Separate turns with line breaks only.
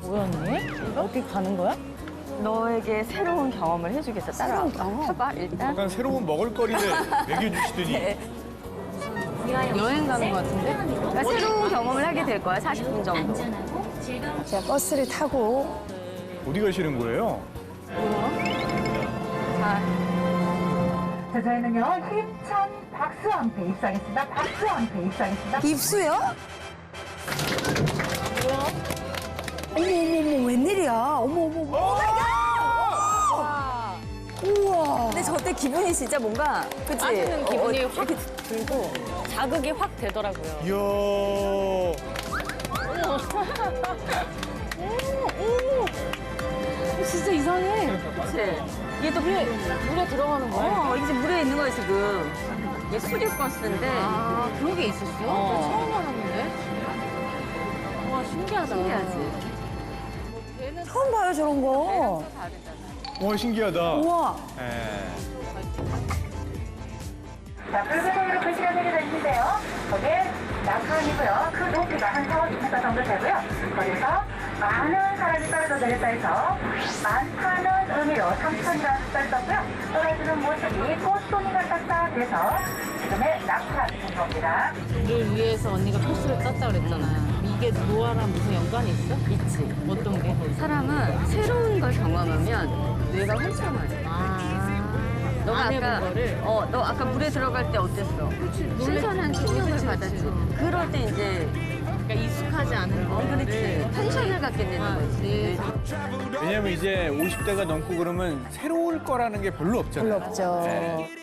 뭐야 언니? 어디 가는 거야?
너에게 새로운 경험을 해주겠어. 따라와.
새로운 경험?
해봐, 일단.
약간 새로운 먹을거리를 먹여주시더니
여행 가는 거 같은데?
그러니까 새로운 경험을 하게 될 거야, 40분 정도.
제가 버스를 타고
어디 가시는 거예요?
자,
자, 저희는요, 힘찬 박수와 함께 입장했습니다. 박수와 함께 입장했습니다.
입수요? 어머 어머 웬일이야? 어머 어머 어머. 우와.
근데 저 때 기분이 진짜 뭔가, 그치?
빠지는 기분이 확
이렇게
들고 자극이 확 되더라고요.
이야.
진짜 이상해.
그치? 얘 또
물에 들어가는 거야?
이제 물에 있는 거야, 지금. 얘 수리버스인데.
아, 그런 게 있었어? 나 처음 알았는데. 와, 신기하다.
신기하지?
처음 봐요 저런 거.
와 신기하다.
우와.
예.
자, 붉은색으로 글씨가 새겨져 있는데요. 거기에 낙하이고요. 그 높이가 한 4-5m 정도 되고요. 거기서 많은 사람이 떨어져 내렸다 해서 많다는 의미로 3,000이라는 숫자를 썼고요. 떨어지는 모습이 꽃송이 같았다 돼서 지금의 낙하인 겁니다.
를 위해서 언니가 코스를 짰다 그랬잖아. 이게 노아랑 무슨 연관이 있어?
있지.
어떤 게?
사람은 새로운 걸 경험하면 뇌가 활성화해. 너가
안 해본
아까
거를?
너 아까 물에 들어갈 때 어땠어? 신선한 충격을 받았지. 그럴 때 이제
그러니까 익숙하지 않은 거.
그렇지. 텐션을 갖게 되는 거지.
왜냐면 이제 50대가 넘고 그러면 새로울 거라는 게 별로 없잖아요.
별로 없죠.
예.